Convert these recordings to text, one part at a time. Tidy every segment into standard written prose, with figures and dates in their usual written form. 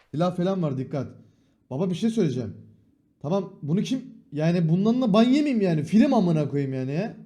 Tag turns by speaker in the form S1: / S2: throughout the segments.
S1: Silah falan var, dikkat. Baba bir şey söyleyeceğim. Tamam bunu kim yani bundan da ban yemeyeyim yani. Film amına koyayım yani ya.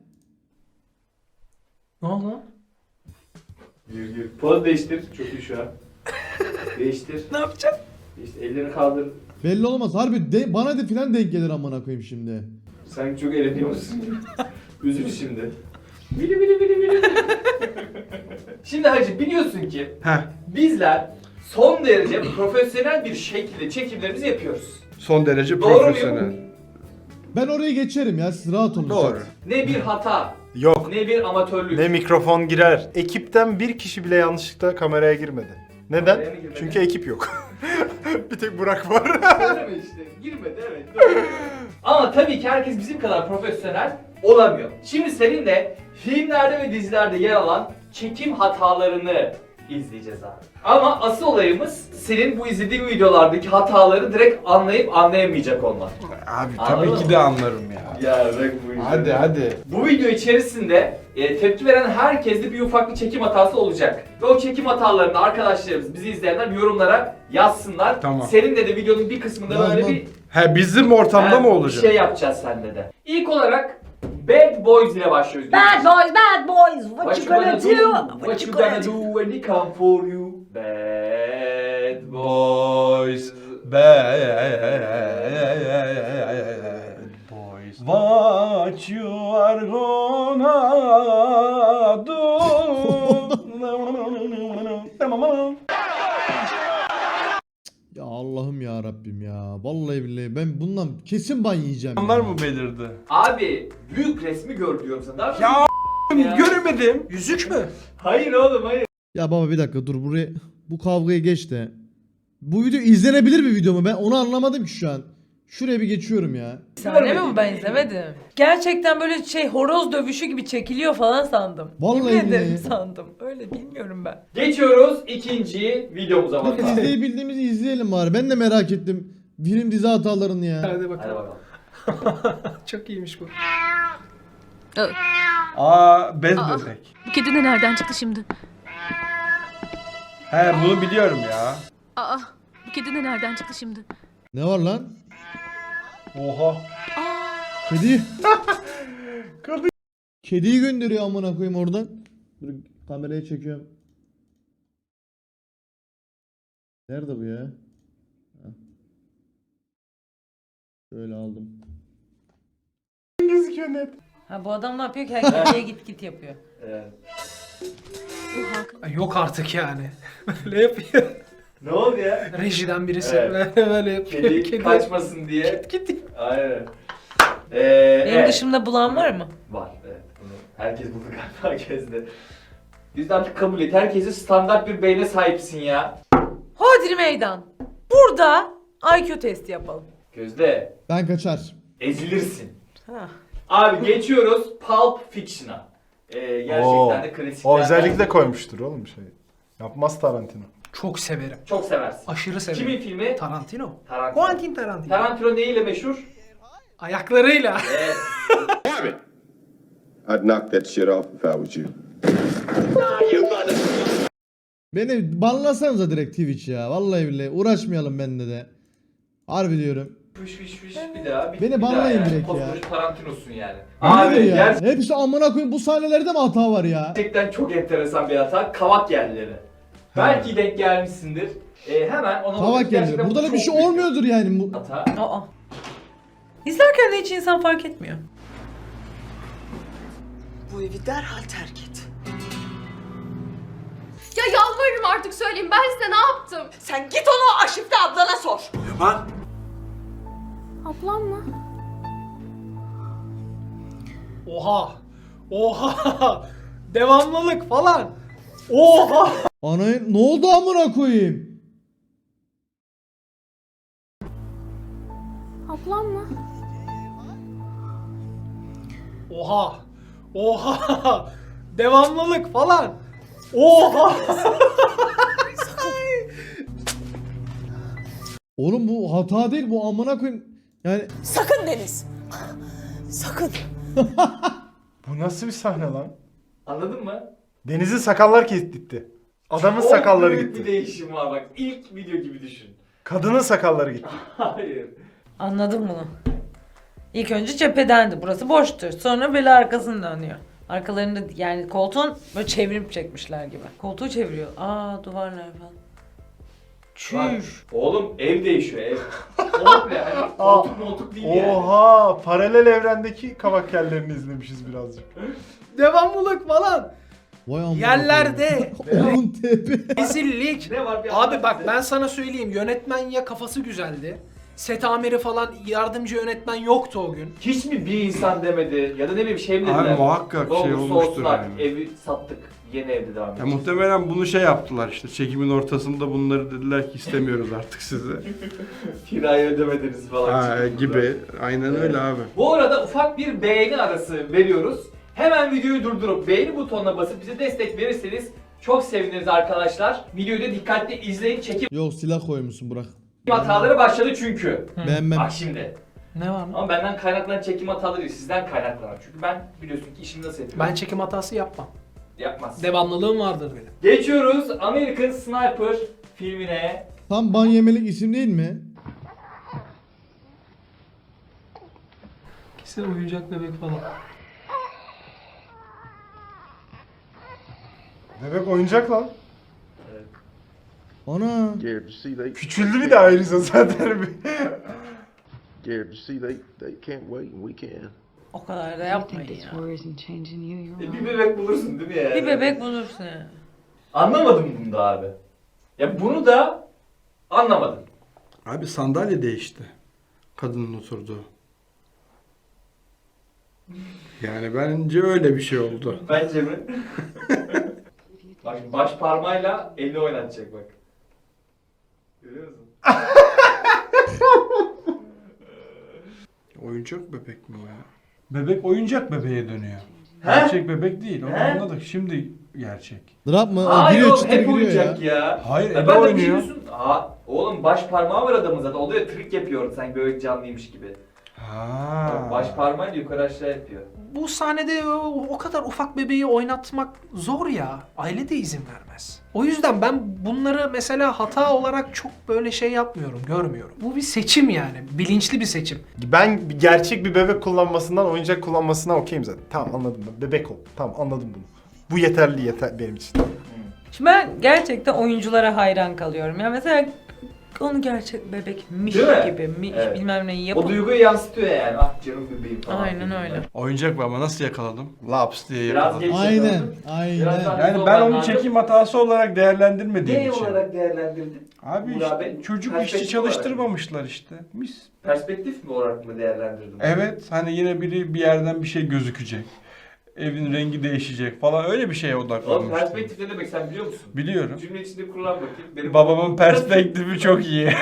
S2: Ne oldu?
S3: Gir. Poz değiştir. Çok iyi şu an. Değiştir.
S2: Ne yapacağım?
S3: İşte ellerini kaldır.
S1: Belli olmaz. Harbi bana da filan denk gelir amına koyayım şimdi.
S3: Sanki çok eğleniyorsun. Üzül şimdi. Bili. Şimdi hacı biliyorsun ki
S4: Heh.
S3: bizler son derece profesyonel bir şekilde çekimlerimizi yapıyoruz.
S4: Son derece
S3: Doğru
S4: profesyonel.
S1: Ben oraya geçerim ya, siz rahat olun.
S4: Doğru.
S3: Ne bir hata,
S4: Yok.
S3: ne bir amatörlük.
S4: Ne mikrofon girer. Ekipten bir kişi bile yanlışlıkla kameraya girmedi. Neden?
S3: Kameraya mı girmedi?
S4: Çünkü ekip yok. Bir tek Burak var.
S3: Öyle mi işte? Girmedi evet. Doğru. Ama tabii ki herkes bizim kadar profesyonel olamıyor. Şimdi seninle filmlerde ve dizilerde yer alan çekim hatalarını izleyeceğiz abi. Ama asıl olayımız senin bu izlediğin videolardaki hataları direkt anlayıp anlayamayacak olman.
S4: Abi
S3: Anladın
S4: tabii ki
S3: mı?
S4: de anlarım ya.
S3: Ya bak bu yüzden.
S4: Hadi.
S3: Bu video içerisinde tepki veren herkeste bir ufak bir çekim hatası olacak. Ve o çekim hatalarını arkadaşlarımız, bizi izleyenler yorumlara yazsınlar.
S4: Tamam.
S3: Seninle de videonun bir kısmında böyle
S1: Yazmam.
S3: bir
S4: He bizim ortamda
S3: Ha,
S4: mı olacak?
S3: Bir şey yapacağız seninle de. İlk olarak Bad Boys ile başlıyoruz.
S5: Bad boys, what you gonna do?
S3: What you gonna do when they come for you? Bad
S4: Boys, bad boys. What you are gonna do?
S1: Ya Allah'ım ya Rabbim ya. Vallahi billahi ben bundan kesin ban yiyeceğim.
S4: Onlar
S1: ya.
S4: mı belirdi?
S3: Abi büyük resmi gör diyorum sana. Daha
S4: Ya
S3: Ya.
S4: göremedim.
S2: Yüzük mü?
S3: Hayır oğlum hayır.
S1: Ya baba bir dakika dur, buraya bu kavgayı geç de. Bu video izlenebilir bir video mu? Ben onu anlamadım ki şu an. Şuraya bir geçiyorum ya.
S5: Sahne mi bu, ben izlemedim. Gerçekten böyle şey horoz dövüşü gibi çekiliyor falan sandım.
S1: Vallahi
S5: Yemin ederim
S1: billahi.
S5: sandım. Öyle bilmiyorum ben.
S3: Geçiyoruz ikinci videomuza
S1: Dur
S3: bakalım.
S1: izleyebildiğimizi izleyelim bari. Ben de merak ettim. Film dizi hatalarını ya.
S2: Hadi
S3: Hadi
S2: bakalım.
S3: bakalım.
S2: Çok iyiymiş bu.
S4: Aa bez bebek.
S6: Bu kedi de nereden çıktı şimdi?
S4: He bunu biliyorum ya.
S6: Aa, bu kedi de nereden çıktı şimdi?
S1: Ne var lan?
S4: Oha.
S1: Kedi.
S4: Kadın.
S1: Kediyi gönderiyor amına koyayım oradan. Dur kameraya çekiyorum. Nerede bu ya? Heh. Şöyle aldım.
S4: Gözüküyor net.
S5: Ha bu adam ne yapıyor ki? Herkese git yapıyor.
S3: Evet.
S6: Bu Hakan.
S2: Ay, yok artık yani. Böyle yapıyor.
S3: Ne oldu ya?
S2: Rejiden birisi
S3: Evet.
S2: böyle yapıyor.
S3: Kedi kaçmasın diye.
S2: Gitti.
S3: Aynen.
S5: Benim
S3: Evet.
S5: dışımda bulan var mı?
S3: Var evet. Bunu herkes buldu galiba herkeste. Biz de artık kabul et. Herkese standart bir beyne sahipsin ya.
S5: Hodri meydan. Burada IQ testi yapalım.
S3: Gözde
S1: Ben kaçar.
S3: ezilirsin.
S5: Ha.
S3: Abi geçiyoruz Pulp Fiction'a. Gerçekten de klasiklerden.
S4: O özellikle koymuştur oğlum şey. Yapmaz Tarantino.
S2: Çok severim.
S3: Çok seversin.
S2: Aşırı severim.
S3: Kimin filmi?
S2: Tarantino.
S3: Tarantino.
S2: Quentin Tarantino.
S3: Tarantino neyiyle meşhur?
S2: Ayaklarıyla.
S3: Evet.
S7: I'd knock that shit off if I was you.
S1: Beni banlasanıza direkt Twitch ya. Vallahi billahi uğraşmayalım bende de. Harbi diyorum.
S3: Fış bir daha.
S1: Beni
S3: bir
S1: banlayın
S3: daha yani.
S1: direkt ya.
S3: Koskoca Tarantino'sun yani.
S1: Abi
S3: Abi
S1: ya. Hepsi amına koyayım, bu sahnelerde mi hata var ya?
S3: gerçekten çok enteresan bir hata. Kavak yerleri. Belki denk gelmişsindir. Hemen ona
S1: Kavak
S3: bakıp
S1: geliyor.
S3: gerçekten
S1: Burada da
S3: çok
S1: bir şey
S3: büyük
S1: olmuyordur yani. Bu...
S3: Hata.
S5: Aa. İzlerken de hiç insan fark etmiyor.
S8: Bu evi derhal terk et.
S9: Ya yalvarırım artık söyleyin, ben size ne yaptım?
S8: Sen git onu Aşif'te ablana sor.
S9: Ablam mı?
S2: Oha. Oha. Devamlılık falan. Oha.
S1: Ana ne oldu amına koyayım?
S9: Ablam mı?
S2: Oha. Oha. Devamlılık falan. Oha.
S1: Oğlum bu hata değil, bu amına koyayım. Yani
S8: Sakın Deniz. Sakın.
S4: Bu nasıl bir sahne lan?
S3: Anladın mı?
S4: Deniz'in sakallar gitti. Adamın
S3: Çok
S4: sakalları
S3: büyük
S4: gitti.
S3: bir değişim var bak. İlk video gibi düşün.
S4: Kadının sakalları gitti.
S3: Hayır.
S5: Anladım bunu. İlk önce cephedendi. Burası boştur. Sonra böyle arkasını dönüyor. Arkalarında yani koltuğun böyle çevirip çekmişler gibi. Koltuğu çeviriyor. Aa duvarlar falan.
S3: Bak,
S5: Çüş.
S3: oğlum ev değişiyor ev. Komple hani koltuk moltuk değil yani.
S4: Oha! Paralel evrendeki kavak yerlerini izlemişiz birazcık.
S2: Devamlılık falan.
S1: Vay amına
S2: Yerlerde.
S1: koyayım. Onun tepe.
S2: Rezillik.
S3: Ne var bir
S2: Abi
S3: anlat
S2: bak
S3: bize.
S2: ben sana söyleyeyim, yönetmen ya kafası güzeldi. Set amiri falan, yardımcı yönetmen yoktu o gün.
S3: Hiç mi bir insan demedi ya da ne bileyim şey mi dediler?
S10: Abi muhakkak
S3: Ne
S10: şey
S3: olursa
S10: olmuştur
S3: olsun artık,
S10: yani.
S3: evi sattık. Yeni evde devam
S10: Ya
S3: edeceğiz.
S10: muhtemelen bunu şey yaptılar işte çekimin ortasında bunları dediler ki istemiyoruz artık sizi.
S3: Kirayı ödemediniz falan.
S10: Ha,
S3: çıktılar.
S10: gibi. Aynen öyle abi.
S3: Bu arada ufak bir beğeni arası veriyoruz. Hemen videoyu durdurup beğeni butonuna basıp bize destek verirseniz çok seviniriz arkadaşlar. Videoyu da dikkatli izleyin. Çekim
S1: Yok silah koymuşsun Burak.
S3: hataları başladı çünkü.
S1: Beğenmem.
S3: Bak şimdi.
S5: Ne var mı?
S3: Ama benden kaynaklanan çekim hataları değil, sizden kaynaklanan. Çünkü ben biliyorsun ki işimi nasıl yapıyorum.
S2: Ben çekim hatası yapmam.
S3: Yapmaz.
S2: Devamlılığım vardır benim.
S3: Geçiyoruz American Sniper filmine.
S1: Tam ban yemelik isim değil mi?
S2: Kesin oyuncak bebek falan.
S4: Bebek oyuncak lan.
S1: Ana.
S7: Scared to see they
S4: Küçüldü bir de ayrıca zaten.
S7: scared to see they can't wait and we can.
S5: O kadar da yapmayın ya.
S3: Bir bebek bulursun değil mi yani?
S5: Bir bebek bulursun yani.
S3: Anlamadım bunu da abi. Ya bunu da anlamadım.
S10: Abi sandalye değişti. Kadının oturduğu. Yani bence öyle bir şey oldu.
S3: Bence mi? Bak şimdi baş parmağıyla elini oynatacak bak. Görüyor musun?
S10: Oyuncak bebek mi o ya? Bebek oyuncak bebeğe dönüyor.
S3: He?
S10: Gerçek bebek değil. Onu
S3: He?
S10: anladık. Şimdi gerçek.
S1: Drop mı?
S3: Aa
S1: Giriyor
S3: yok
S1: çıtır
S3: hep
S1: giriyor
S3: oyuncak
S1: ya.
S3: ya.
S10: Hayır,
S3: Ya
S10: Ebe
S3: ben de
S10: oynuyor.
S3: biliyorsun. Aa oğlum baş parmağı var adamın zaten. O da trik yapıyor sanki bebek canlıymış gibi.
S10: Ha.
S3: Baş parmağıyla yukarı aşağı yapıyor.
S2: Bu sahnede o kadar ufak bebeği oynatmak zor ya. Aile de izin vermez. O yüzden ben bunları mesela hata olarak çok böyle şey yapmıyorum, görmüyorum. Bu bir seçim yani. Bilinçli bir seçim.
S4: Ben gerçek bir bebek kullanmasından oyuncak kullanmasına okeyim zaten. Tamam anladım ben. Bebek ol. Tamam anladım bunu. Bu yeterli benim için.
S5: Şimdi ben gerçekten oyunculara hayran kalıyorum. Ya mesela onu gerçek bebekmiş
S3: Değil mi?
S5: gibi
S3: Evet.
S5: bilmem neyi
S3: O
S5: yapın.
S3: duyguyu yansıtıyor yani. Ah canım bebeğim falan.
S5: Aynen öyle.
S10: Oyuncak mı ama nasıl yakaladım? Laps diye
S3: Biraz
S10: yakaladım.
S3: geç
S1: Aynen.
S3: yakaladım. Biraz daha
S1: Aynen.
S3: hızlı
S10: Yani ben
S3: olman
S10: onu
S3: lazım.
S10: çekim hatası olarak değerlendirmediğim
S3: Ne
S10: için.
S3: olarak değerlendirdin?
S10: Abi
S3: Burak
S10: işte
S3: Bey,
S10: çocuk
S3: perspektif
S10: işçi çalıştırmamışlar işte. Mis.
S3: Perspektif mi olarak mı değerlendirdin?
S10: Evet hani yine biri bir yerden bir şey gözükecek. Evin rengi değişecek falan öyle bir şeye
S3: Oğlum
S10: odaklanmıştım.
S3: perspektif ne demek sen biliyor musun?
S10: Biliyorum.
S3: Cümle içinde kullan bakayım. Benim
S10: Babamın perspektifi çok iyi.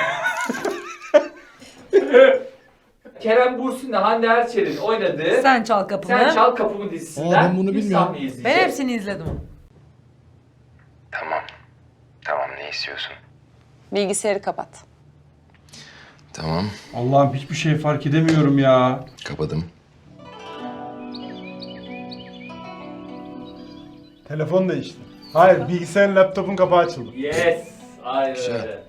S3: Kerem Bürsin'le Hande Erçel'in oynadığı
S5: Sen çal kapımı.
S3: Sen Çal Kapımı dizisinden
S1: Aa, ben bunu
S3: bir
S1: bilmiyorum.
S3: sahne izleyeceğiz.
S5: Ben hepsini izledim.
S11: Tamam. Tamam ne istiyorsun?
S8: Bilgisayarı kapat.
S11: Tamam.
S10: Allah'ım hiçbir şey fark edemiyorum ya.
S11: Kapadım.
S4: Telefon değişti. Hayır bilgisayarın laptopun kapağı açıldı.
S3: Yes. Aynen
S11: Güzel.
S3: öyle.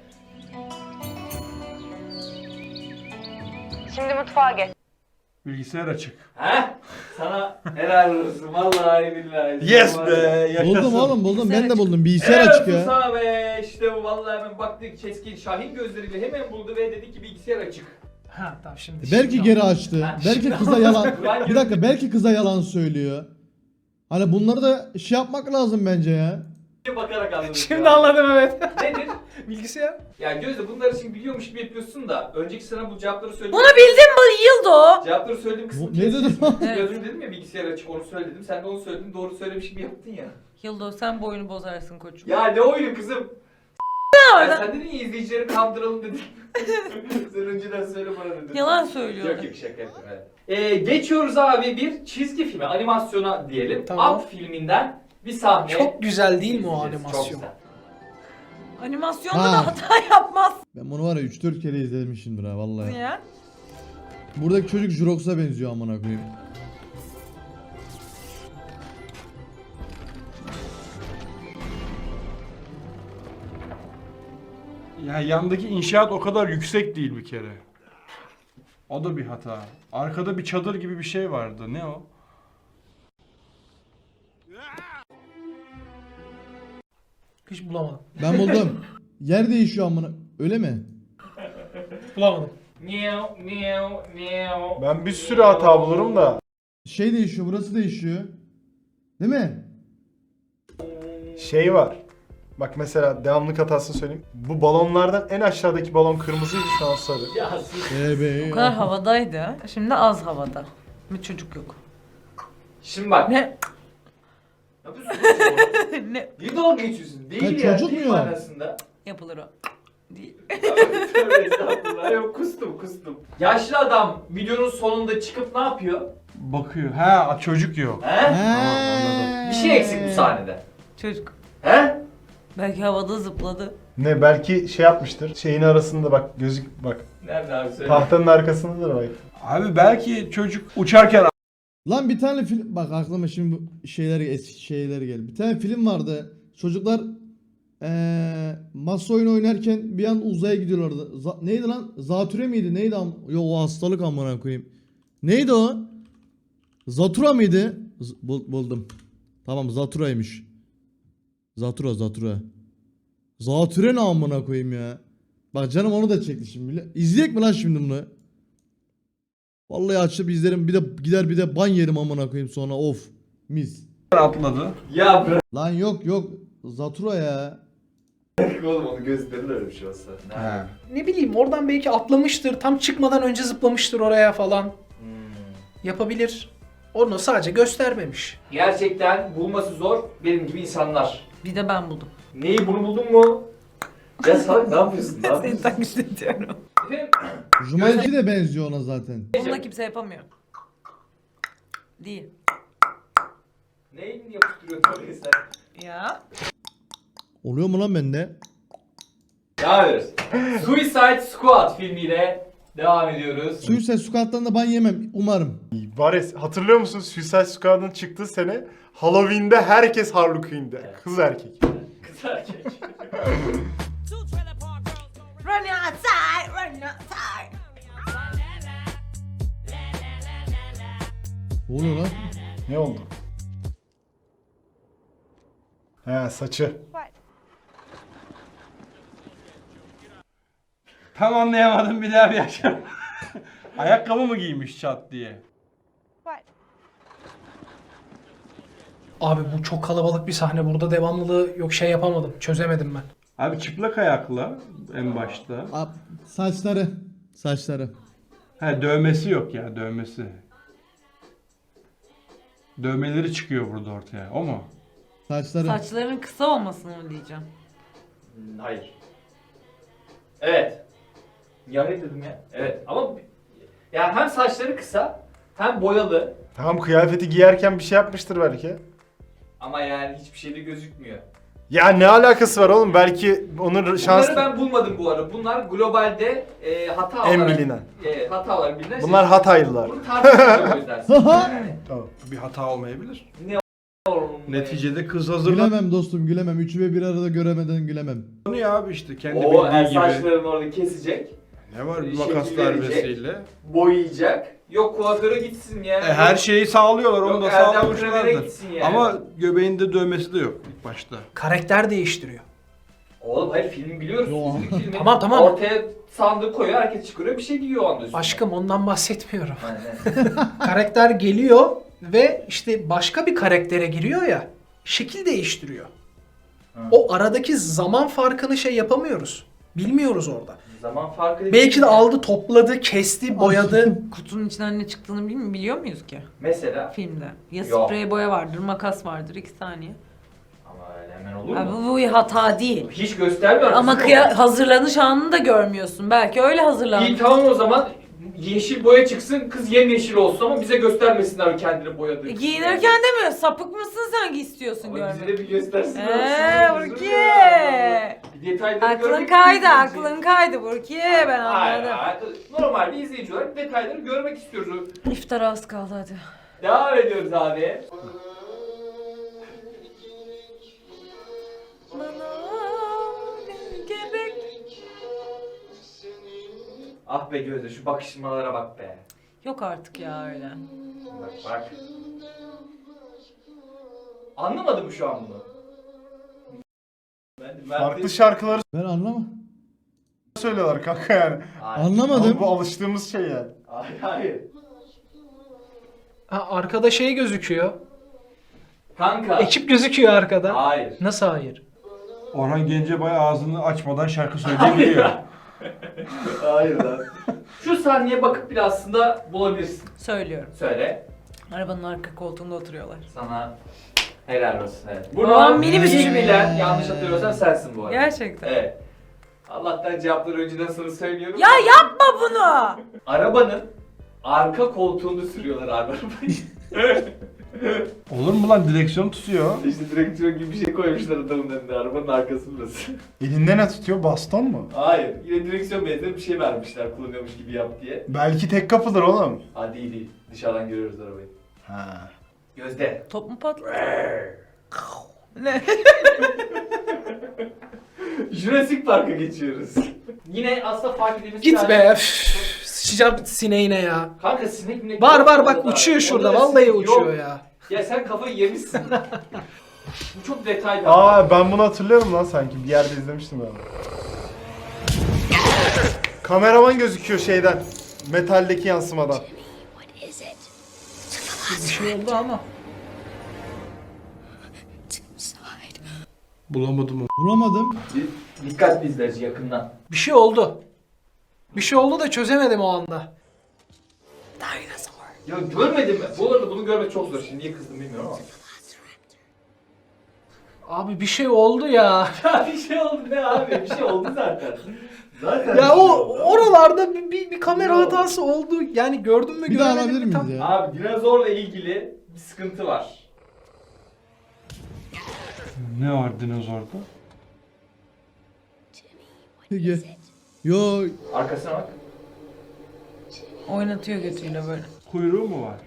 S6: Şimdi mutfağa geç.
S10: Bilgisayar açık.
S3: Heh? Sana helal olsun. Vallahi billahi.
S10: Yes
S3: Sana
S10: be
S3: var ya.
S10: yaşasın.
S1: Buldum oğlum buldum. Ben de buldum. Bilgisayar
S3: Helal
S1: açık
S3: olsun
S1: ya.
S3: sana be. İşte bu vallahi hemen baktık keskin Şahin gözleriyle hemen buldu ve dedi ki bilgisayar açık.
S2: Ha tamam şimdi.
S1: Belki
S2: şimdi
S1: geri açtı.
S3: Ha,
S1: Belki
S3: şimdi
S1: kıza yalan.
S3: Ben
S1: Bir dakika belki kıza yalan söylüyor. Hani bunları da şey yapmak lazım bence ya.
S3: bakarak anladım.
S2: Şimdi anladım evet.
S3: Nedir?
S2: Bilgisayar.
S3: Ya Gözde bunları şimdi biliyormuş gibi yapıyorsun da önceki sana bu cevapları söyledim.
S5: Bunu bildim mi? Yıldı o.
S3: Cevapları söylediğim kısmı
S1: Bu- ne dedim?
S3: Gözüm dedim ya bilgisayar açık onu söyledim. Sen de onu söyledin doğru söylemiş gibi yaptın ya.
S5: Yıldo sen boyunu bozarsın koçum.
S3: Ya ne oyunu kızım?
S5: orada?
S3: Ya sen dedin ya izleyicileri kandıralım dedin. Sen önceden söyle bana dedin.
S5: Yalan
S3: Yok
S5: söylüyordu.
S3: yok şaka yaptım evet. Geçiyoruz abi bir çizgi filme, animasyona diyelim.
S2: Tamam.
S3: Up filminden bir sahne.
S2: Çok güzel değil mi o
S3: izleyeceğiz. Çok
S2: animasyon?
S3: güzel.
S5: Animasyonda
S1: Ha.
S5: da hata yapmaz
S1: Ben bunu var ya 3-4 kere izlemişimdir ha vallahi.
S5: ya.
S1: Buradaki çocuk Jurox'a benziyor amına koyayım.
S10: Ya yandaki inşaat o kadar yüksek değil bir kere. O da bir hata. Arkada bir çadır gibi bir şey vardı. Ne o?
S2: Hiç bulamadım.
S1: Ben buldum. Yer değişiyor amına. Öyle mi?
S2: Bulamadım.
S3: Miau miau miau.
S4: Ben bir sürü hata bulurum da.
S1: Şey değişiyor, burası değişiyor. Değil mi?
S4: Şey var. Bak mesela devamlık hatasını söyleyeyim. Bu balonlardan en aşağıdaki balon kırmızıydı, şu an sarı.
S3: Ya sus.
S5: O kadar havadaydı. Şimdi az havada. Bir çocuk yok.
S3: Şimdi bak.
S5: Ne?
S3: Yapıyorsun
S5: Ne
S3: Niye dalga geçiyorsun? Değil
S1: Ha,
S3: ya.
S1: çocuk
S3: Değil
S1: mu?
S3: manasında.
S5: yapılır o? Değil.
S3: Tövbe estağfurullah. Yok kustum. Yaşlı adam videonun sonunda çıkıp ne yapıyor?
S10: Bakıyor. Ha çocuk yok.
S3: He?
S1: He.
S3: Bir şey eksik bu sahnede.
S5: Çocuk.
S3: He?
S5: Belki havada zıpladı.
S4: Ne, belki şey yapmıştır. Şeyin arasında bak, gözük bak.
S3: Nerede abi söyle.
S4: Tahtanın arkasındadır bak.
S10: Abi belki çocuk uçarken
S1: Lan bir tane film bak aklıma şimdi bu eski şeyler geldi. Bir tane film vardı. Çocuklar masa oyunu oynarken bir an uzaya gidiyorlardı. Neydi lan? Zatüre miydi? Neydi? Yo o hastalık amına koyayım. Neydi o? Zatura mıydı? Buldum. Tamam Zatura'ymış. Zatura. Zatüre ne amına koyayım ya? Bak canım onu da çekti şimdi. İzleyek mi lan şimdi bunu? Vallahi açıp izlerim, bir de gider bir de ban yerim amına koyayım sonra, of mis.
S10: atladı.
S3: Ya bırak
S1: Lan yok Zatura ya.
S3: oğlum onu gösterir öyle bir şey olsa.
S10: He.
S2: Ne bileyim oradan belki atlamıştır. Tam çıkmadan önce zıplamıştır oraya falan. Yapabilir. Onu sadece göstermemiş.
S3: Gerçekten bulması zor benim gibi insanlar.
S5: Bir de ben buldum.
S3: Neyi bunu buldun mu? Ya salak ne yapıyorsun? Ne
S5: Seni
S3: yapıyorsun?
S5: taklit ediyorum.
S3: Efendim?
S1: Jumanji de benziyor ona zaten.
S5: Bunu da kimse yapamıyor. Değil.
S3: Neyi yapıştırıyorsun oraya sen?
S5: Ya.
S1: Oluyor mu lan bende?
S3: Devam ediyoruz. Suicide Squad filmiyle devam ediyoruz.
S1: Suicide Squad'dan da ban yemem umarım.
S4: Var ya, hatırlıyor musun Suicide Squad'ın çıktığı sene Halloween'de herkes Harley Quinn'de.
S3: Evet.
S4: Kız erkek.
S3: Kız erkek.
S5: Run outside, run outside.
S1: Ne oluyor lan?
S4: Ne oldu? He, saçı.
S10: Tam anlayamadım, bir daha bir yaşa. Ayakkabı mı giymiş çat diye?
S2: Abi bu çok kalabalık bir sahne. Burada devamlılığı yok, şey yapamadım. Çözemedim ben.
S10: Abi çıplak ayakla en başta.
S1: Saçları.
S10: He dövmesi yok ya, dövmesi. Dövmeleri çıkıyor burada ortaya. O mu?
S1: Saçları.
S5: Saçların kısa olmasını mı diyeceğim?
S3: Hayır. Evet. Ya ne dedim ya? Evet ama yani hem saçları kısa hem boyalı
S4: Tamam, kıyafeti giyerken bir şey yapmıştır belki.
S3: ama yani hiçbir şeyde gözükmüyor.
S4: Ya ne alakası var oğlum? Belki onun şans...
S3: Bunları ben bulmadım bu arada. Bunlar globalde hata
S4: En
S3: olarak
S4: bilinen.
S3: Hata olarak bilinen
S4: Bunlar Hataylılar.
S3: Bunu tartışmıyoruz o yüzden. Yani
S4: Tamam.
S10: Bir hata olmayabilir.
S3: oğlum,
S10: Neticede kız hazırlanıyor
S1: Gülemem dostum gülemem. Üçü ve bir arada göremeden gülemem.
S10: abi işte kendi
S3: o
S10: bildiği gibi.
S3: saçlarını orada kesecek,
S10: Ne var bir
S3: şekil
S10: makas
S3: verecek.
S10: darbesiyle.
S3: boyayacak. Yok kuaföre gitsin ya.
S10: Her şeyi sağlıyorlar, onu
S3: Yok,
S10: da
S3: Erdem Kremer'e
S10: sağlamışlardır.
S3: gitsin yani.
S10: Ama göbeğinde dövmesi de yok ilk başta.
S2: Karakter değiştiriyor.
S3: Oğlum hayır filmi biliyoruz.
S1: Yo.
S3: Filmi
S2: Tamam.
S3: Ortaya sandığı koyuyor, herkes çıkarıyor, bir şey giyiyor o anda üstüne.
S2: Aşkım ondan bahsetmiyorum.
S3: Aynen.
S2: Karakter geliyor ve işte başka bir karaktere giriyor ya. Şekil değiştiriyor. O aradaki zaman farkını şey yapamıyoruz. Bilmiyoruz orada.
S3: Zaman farkı
S2: Belki de aldı, topladı, kesti, boyadı.
S5: Kutunun içinden ne çıktığını biliyor muyuz ki
S3: Mesela.
S5: filmde? Ya
S3: Yok.
S5: sprey boya vardır, makas vardır, 2 saniye.
S3: Ama öyle hemen olur
S5: Abi
S3: mu?
S5: bu bir hata değil.
S3: Hiç göstermiyor.
S5: Ama
S3: musun?
S5: hazırlanış anını da görmüyorsun. Belki öyle hazırlanmış.
S3: İyi tamam o zaman yeşil boya çıksın, kız yemyeşil olsun ama bize göstermesinler kendini boyadığı.
S5: Giyinirken demiyor. Sapık mısın sen ki istiyorsun
S3: Ama bize
S5: görmek?
S3: de bir göstersin.
S5: Burki.
S3: Bir detayları
S5: Aklın
S3: görmek
S5: kaydı,
S3: istiyoruz.
S5: aklın kaydı Burki. Ben
S3: Hayır,
S5: anladım.
S3: hayır. Normal bir izleyici olarak detayları görmek istiyoruz.
S5: İftara az kaldı hadi.
S3: Devam ediyoruz abi.
S5: Bana gerek
S3: Ah be Gözde, şu bakışmalara bak be.
S5: Yok artık ya öyle.
S3: Bak bak. Anlamadım mı şu an bunu?
S4: Farklı şarkıları
S1: Ben anlamam.
S4: söylüyorlar kanka yani.
S3: Hayır.
S1: Anlamadım.
S4: Ama bu alıştığımız şey yani.
S3: Hayır, hayır.
S2: Ha, arkada şey gözüküyor.
S3: Kanka.
S2: Ekip gözüküyor arkada.
S3: Hayır.
S2: Nasıl hayır?
S10: Orhan Gencebay ağzını açmadan şarkı söyleyebiliyor.
S3: Hayır lan. Şu sahneye bakıp bile aslında bulabilirsin.
S5: Söylüyorum.
S3: Söyle.
S5: Arabanın arka koltuğunda oturuyorlar.
S3: Sana helal olsun. Evet.
S5: Aa, minibüsçü
S3: ilk
S5: mü?
S3: bilen, yanlış hatırlıyorsam sensin bu arada.
S5: Gerçekten.
S3: Evet. Allah'tan cevapları önceden sana söylüyorum.
S5: Ya yapma bunu!
S3: Arabanın arka koltuğunda sürüyorlar abi arabayı.
S10: Olur mu lan, direksiyon tutuyor.
S3: İşte direksiyon gibi bir şey koymuşlar adamın önüne. Arabanın arkası burası.
S4: Elinde ne tutuyor? Baston mu?
S3: Hayır. Yine direksiyon benzeri bir şey vermişler kullanıyormuş gibi yap diye.
S4: Belki tek kapıdır oğlum.
S3: Ha değil değil. Dışarıdan görüyoruz arabayı.
S4: Ha.
S3: Gözde.
S5: Top mu patladı? Ne?
S3: Jurassic Park'a geçiyoruz. Yine aslında fark edilmesi
S2: Git
S3: lazım.
S2: be. Sıçacağım sineğine ya.
S3: Kanka sinek minek
S2: Var
S3: yok
S2: var bak
S3: orada.
S2: uçuyor şurada.
S3: Orada
S2: Vallahi
S3: sinek
S2: uçuyor
S3: yok.
S2: ya.
S3: Ya sen kafayı yemişsin. Bu çok detaylı.
S4: Aa ben bunu hatırlıyorum lan sanki. Bir yerde izlemiştim ben. Kameraman gözüküyor şeyden. Metaldeki yansımadan.
S2: Bir şey oldu ama.
S10: Bulamadım onu.
S1: Bulamadım.
S3: Dikkatli izleyici yakından.
S2: Bir şey oldu. Bir şey oldu da çözemedim o anda.
S3: Ya görmedin mi? Bu arada bunu görmek çok zor. Şimdi niye kızdım bilmiyorum ama.
S2: Abi bir şey oldu ya.
S3: Ya bir şey oldu ne abi? Bir şey oldu zaten. Zaten
S2: Ya
S3: bir şey
S2: o
S3: oldu.
S2: oralarda bir kamera hatası oldu. Yani gördün mü
S1: Bir daha
S2: görmedin
S1: alabilir
S2: mi
S1: miyiz
S2: tam?
S1: ya?
S3: Abi dinozorla ilgili bir sıkıntı var.
S10: Ne var dinozorda?
S1: Peki. Yo,
S3: Arkasına bak.
S5: Oynatıyor götüyle böyle.
S10: Kuyruğu mu var?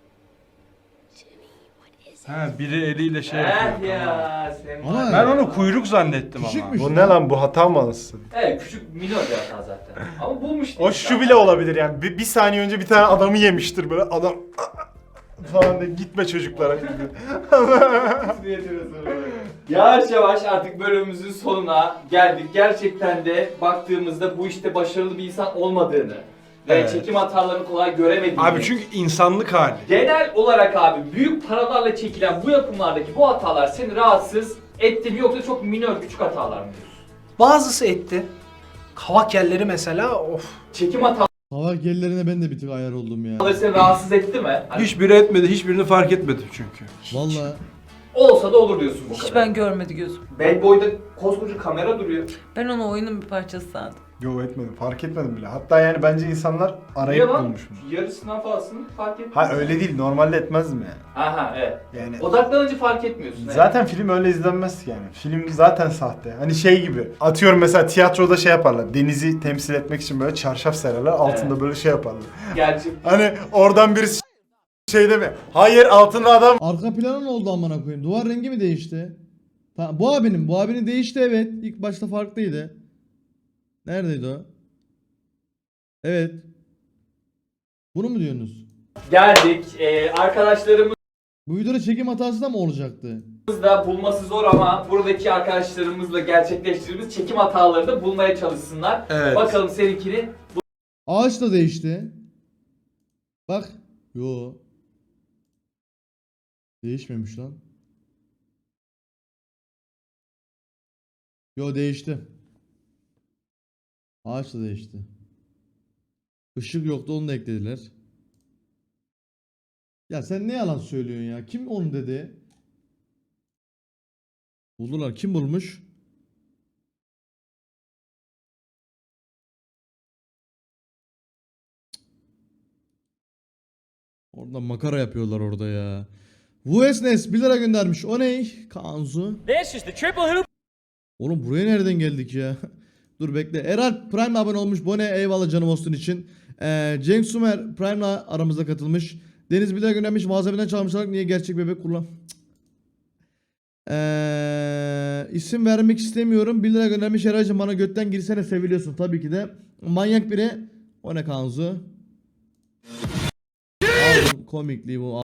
S10: Ha, biri eliyle şey yapıyor.
S3: Ya sen.
S1: Ama-
S10: Ben onu kuyruk zannettim ama.
S1: küçükmüş.
S4: Bu ne lan bu hata mı anasını?
S3: Evet küçük minor bir hata zaten. Ama bulmuş
S4: O şu bile olabilir yani. Bir saniye önce bir tane adamı yemiştir böyle. Adam falan de gitme çocuklara.
S3: Yavaş yavaş artık bölümümüzün sonuna geldik. Gerçekten de baktığımızda bu işte başarılı bir insan olmadığını ve
S10: Evet.
S3: çekim hatalarını kolay göremediğini.
S10: Abi çünkü insanlık hali.
S3: genel olarak abi büyük paralarla çekilen bu yapımlardaki bu hatalar seni rahatsız etti mi yoksa çok minör küçük hatalar mı diyorsun?
S2: Bazısı etti. Kavak yerleri mesela of.
S3: Çekim hataları
S1: Hava gellerine ben de bir tık ayar oldum ya.
S3: seni rahatsız etti mi? Hani
S10: Hiçbiri etmedi, hiçbirini fark etmedim çünkü.
S1: Vallahi.
S3: olsa da olur diyorsun bu
S5: Hiç
S3: kadar.
S5: ben görmedi gözüm.
S3: Bad Boy'da koskoca kamera duruyor.
S5: Ben onu oyunun bir parçası sandım.
S4: Yo etmedim. Fark etmedim bile. Hatta yani bence insanlar
S3: Niye
S4: arayıp
S3: lan?
S4: bulmuş bunu.
S3: Yarısından fazlasını fark etmiyorsun.
S4: Ha öyle değil. Normalde etmezdim yani.
S3: Aha evet.
S4: Yani
S3: Odaklanınca fark etmiyorsun. evet.
S4: zaten film öyle izlenmez ki yani. Film zaten sahte. Hani şey gibi. Atıyorum mesela tiyatroda şey yaparlar. Denizi temsil etmek için böyle çarşaf sererler. Altında
S3: Evet.
S4: böyle şey yaparlar.
S3: Gerçi
S4: Hani oradan birisi şey deme. Hayır altında adam.
S1: Arka planı ne oldu amına koyayım? Duvar rengi mi değişti? Bu abinin. Bu abinin değişti evet. İlk başta farklıydı. Neredeydi o? Evet. Bunu mu diyorsunuz?
S3: geldik. Arkadaşlarımız
S1: Bu videoda çekim hatası da mı olacaktı?
S3: da bulması zor ama buradaki arkadaşlarımızla gerçekleştirdiğimiz çekim hataları da bulmaya çalışsınlar.
S10: Evet.
S3: Bakalım seninkini.
S1: Ağaç da değişti. Bak. Yo. Değişmemiş lan. Yo değişti. Ağaç da değişti. Işık yoktu onu da eklediler. Ya sen ne yalan söylüyorsun ya? Kim onu dedi? Buldular. Kim bulmuş? Orada makara yapıyorlar orada ya. Vuesnes 1 lira göndermiş. O ne? Kanzu. Oğlum buraya nereden geldik ya? Dur bekle. Eralp Prime abone olmuş. Bone eyvallah canım olsun için. Cenk Sumer Prime'la aramızda katılmış. Deniz 1 lira göndermiş. Malzemeden çalmışlar. Niye gerçek bebek kullan? İsim vermek istemiyorum. 1 lira göndermiş. Eraycığım bana götten girsene seviliyorsun. Tabii ki de. Manyak biri O ne Kanzu? Aldım komikliği bu.